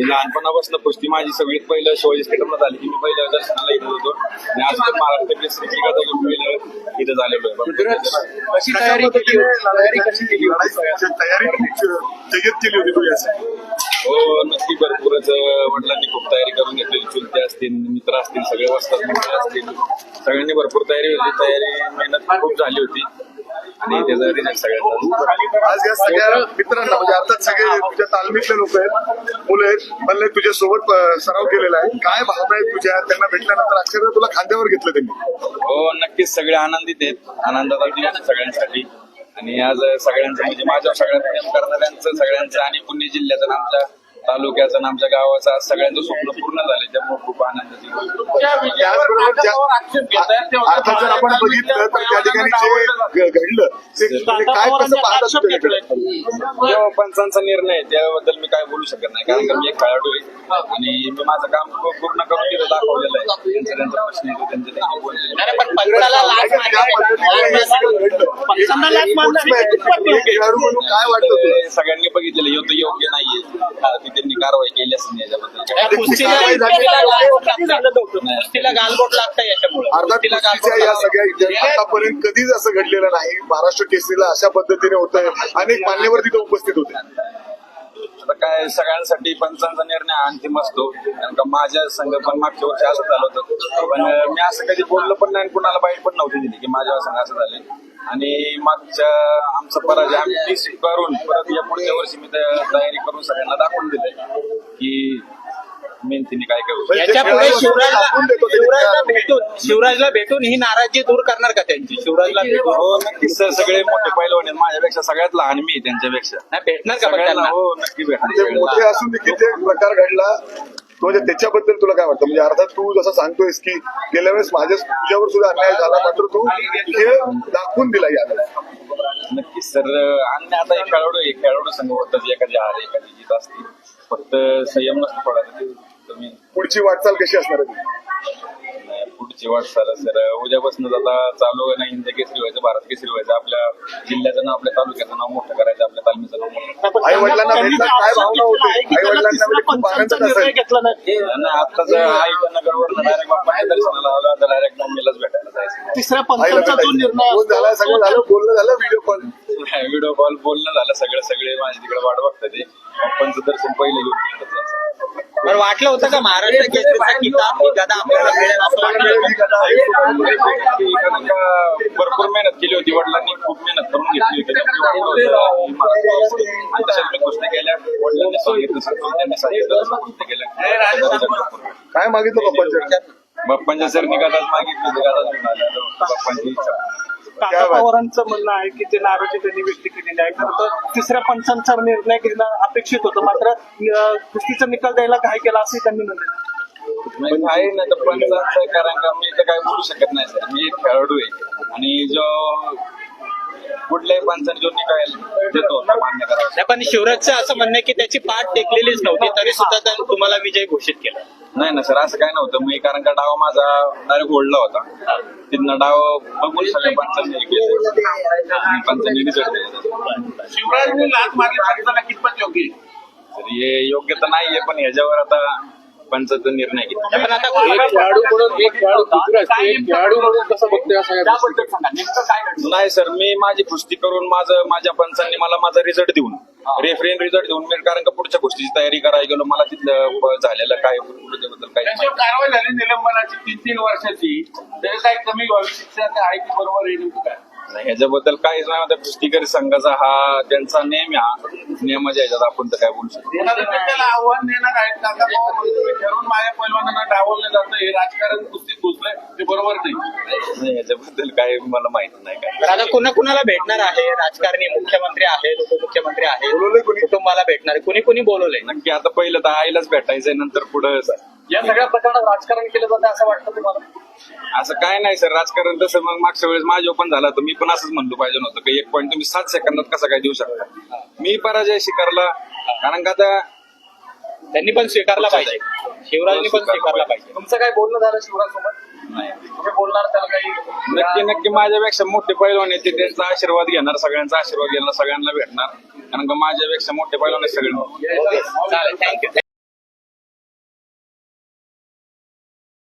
मी लहानपणापासून कुस्ती माझी सगळीत पहिलं शिवाजी स्टेडियमला झाली की मी पहिल्या दर्शनाला येत होतो आणि आज पण महाराष्ट्र केसरी जिंकत पहिलं इथं झालेलो आहे. कशी तयारी केली होती? तयारी कशी केली होती? तयारी जय्यत केली होती तू याची. हो नक्की भरपूरच वडिलांनी खूप तयारी करून घेतलेली. चुलते असतील, मित्र असतील, सगळे वस्तात मित्र असतील, सगळ्यांनी भरपूर तयारी होती. तयारी मेहनत खूप झाली होती आणि त्याचा रिझल्ट सगळ्यांचा. आज या सगळ्या मित्रांना म्हणजे अर्थात सगळे तुझ्या तालमीतले लोक आहेत, मुलं आहेत, म्हणले तुझ्या सोबत सराव केलेला आहे. काय भावना आहेत तुझ्या? त्यांना भेटल्यानंतर अक्षरशः तुला खांद्यावर घेतलं त्यांनी. हो नक्कीच सगळे आनंदित आहेत. आनंदाचा दिवस सगळ्यांसाठी आणि आज सगळ्यांचं म्हणजे माझ्या सगळ्यात प्रेम करणाऱ्यांचं सगळ्यांचं आणि पुणे जिल्ह्याचं आमच्या तालुक्याचं आणि आमच्या गावाचं आज सगळ्यांचं स्वप्न पूर्ण झालं. त्यामुळे खूप आनंदाची त्याचबरोबर अर्थात जर आपण बघितलं तर त्या ठिकाणी जे घडलं ते काय कसं पाहतात? पंचांचा निर्णय आहे, त्याबद्दल मी काय बोलू शकत नाही कारण की मी एक खेळाडू आहे आणि मी माझं काम पूर्ण करून तिथं दाखवलेलं आहे. त्यांचा प्रश्न येतो त्यांचे त्यांनी म्हणून काय वाटतं तुला? सगळ्यांनी बघितलेलं होतं योग्य नाहीये, त्यांनी कारवाई केली असेल याच्याबद्दल. गालबोट लागतं याच्यामुळे. अर्थात कुस्तीच्या या सगळ्या इतिहासात आतापर्यंत कधीच असं घडलेलं नाही. महाराष्ट्र केसरीला अशा पद्धतीने होतंय. अनेक मान्यवर तिथे उपस्थित होते. आता काय सगळ्यांसाठी पंचांचा निर्णय अंतिम असतो कारण का माझ्या संघ पण मागच्या वर्षी असं झालं होतं पण मी असं कधी बोललो पण नाही, कुणाला बाईट पण नव्हती दिली की माझ्या संघ असं झालंय. आणि मागच्या आमचा पराजय आम्ही करून परत या पुढच्या वर्षी मी तयारी करून सगळ्यांना दाखवून दिलंय की मेहनतीने काय करू. याच्यापुढे शिवराजला भेटून ही नाराजी दूर करणार का त्यांची? शिवराजला भेटून हो नक्कीच सर, सगळे मोठे पैलवान आहेत माझ्यापेक्षा, सगळ्यात लहान मी आहे त्यांच्यापेक्षा. नाही भेटणार का सगळ्यांना त्यांना? हो नक्की ते भेटणार. मोठे असून देखील ते प्रकार घडला म्हणजे त्याच्याबद्दल तुला काय वाटतं? म्हणजे अर्थात तू जसं सांगतोयस की गेल्या वेळेस तुझ्यावर सुद्धा अन्याय झाला मात्र तू हे दाखवून दिला याला. नक्कीच सर, आणि आता एक खेळाडू संघ होतात, एखादी हार एखादी जीत असते, फक्त संयम नसतो थोडा. तुम्ही पुढची वाटचाल कशी असणार आहे? पुढची वाटचाल सर उद्यापासून आता चालू आहे ना, हिंद केसरी व्हायचं, भारत केसरी व्हायचं, आपल्या जिल्ह्याचं नाव, आपल्या तालुक्याचं नाव मोठं करायचं, आपल्या तालमीचं नाव मोठं. आई वडिलांना भेटला काय भावना होते? आई वडिलांना खूप आनंद असेल. आताच आईच्या नगरवरनं डायरेक्ट बाप्पाच्या दर्शनाला आला तर डायरेक्ट मम्मीलाच भेटायला जायचं. तिसऱ्या आईला भेटायचं. झाला सगळं झालं, बोलणं झालं, व्हिडिओ कॉल बोलणं झालं, सगळे माझ्या तिकडे वाट बघतात ते. बाप्पांचं दर्शन पहिलं घेऊन तिकडे जायचं. बरं वाटलं होतं का महाराष्ट्र केसरीचा किताब ही गदा आपल्याला मिळेल असं वाटलं? भरपूर मेहनत केली होती, वडिलांनी खूप मेहनत करून घेतली होती. आणि तशाच मी गोष्टी केल्या, वडिलांनी सांगितलं, त्यांनी सांगितलं, गोष्टी केल्या. काय मागितलं बाप्पांच्या सर निघालाच मागितली, बाप्पांची इच्छा. काका पवारांचं म्हणणं आहे की ते नाराजी त्यांनी व्यक्त केलेली आहे. खरं तर तिसऱ्या पंचांचा निर्णय घेणं अपेक्षित होतं मात्र कुस्तीचा निकाल द्यायला घाई केला असंही त्यांनी म्हटलं. आहे ना तर पंचांचं कारण का मी तर काय बोलू शकत नाही सर. मी एक खेळाडू आहे आणि जो कुठल्याही पंचाने जो निकाल देतो मान्य करावा. नाही पण शिवराजचं असं म्हणणं आहे की त्याची पाठ टेकलेलीच नव्हती तरी सुद्धा त्यांनी तुम्हाला विजय घोषित केला. नाही ना सर, असं काय नव्हतं. मी कारण का डाव माझा डायरेक्ट ओढला होता, तिथनं डाव बघून सगळ्या पंचांनी रिझल्ट दिला. शिवराजने लाच मारली कितपत योग्य तर हे योग्य तर नाहीये पण ह्याच्यावर आता पंचाचा निर्णय घेतला. पण आता नाही सर, मी माझी कुस्ती करून माझ्या पंचांनी मला माझा रिझल्ट देऊन रेफरीन रिझल्ट देऊन मी कारण का पुढच्या गोष्टीची तयारी करायला गेलो. मला तिथलं झालेलं काय त्याबद्दल काय कारवाई झाली निलंबनाची 3 वर्षाची, तरी काही कमी व्हावी शिक्षा आहे की बरोबर आहे काय? नाही ह्याच्याबद्दल काहीच नाही. आता कुस्तीकरी संघाचा हा त्यांचा नेम, हा नियमाच्या ह्याच्यात आपण तर काय बोलू शकतो. त्याला आव्हान देणार आहेत काका ठरवून माझ्या पैलवानांना डावललं जातं, हे राजकारण कुस्तीत घुसलंय, ते बरोबर नाही. ह्याच्याबद्दल काय मला माहिती नाही काय. आता कुणाला भेटणार आहे? राजकारणी, मुख्यमंत्री आहेत, उपमुख्यमंत्री आहेत, कुटुंबाला भेटणार आहे, कुणी बोलवलंय? नक्की आता पहिलं तर आईलाच भेटायचंय, नंतर पुढं या सगळ्या प्रकरणात राजकारण केलं जातं असं वाटतं तुम्हाला? असं काय नाही सर, राजकारण तसं मग मागच्या वेळेस माझ्या पण झालं तर मी पण असंच म्हणलो पाहिजे नव्हतं की 1 पॉईंट तुम्ही 7 सेकंदात कसा काय देऊ शकता. मी पराजय स्वीकारला कारण का आता त्यांनी पण स्वीकारला पाहिजे, शिवराजनी पण स्वीकारला पाहिजे. तुमचं काय बोलणं झालं शिवराजसोबत? नाही. तुम्ही बोलणार त्याला काही? नक्की माझ्यापेक्षा मोठे पैलवान आहेत, त्यांचा आशीर्वाद घेणार, सगळ्यांचा आशीर्वाद घेणार, सगळ्यांना भेटणार कारण का माझ्यापेक्षा मोठे पैलवान आहेत सगळे. चालेल, थँक्यू.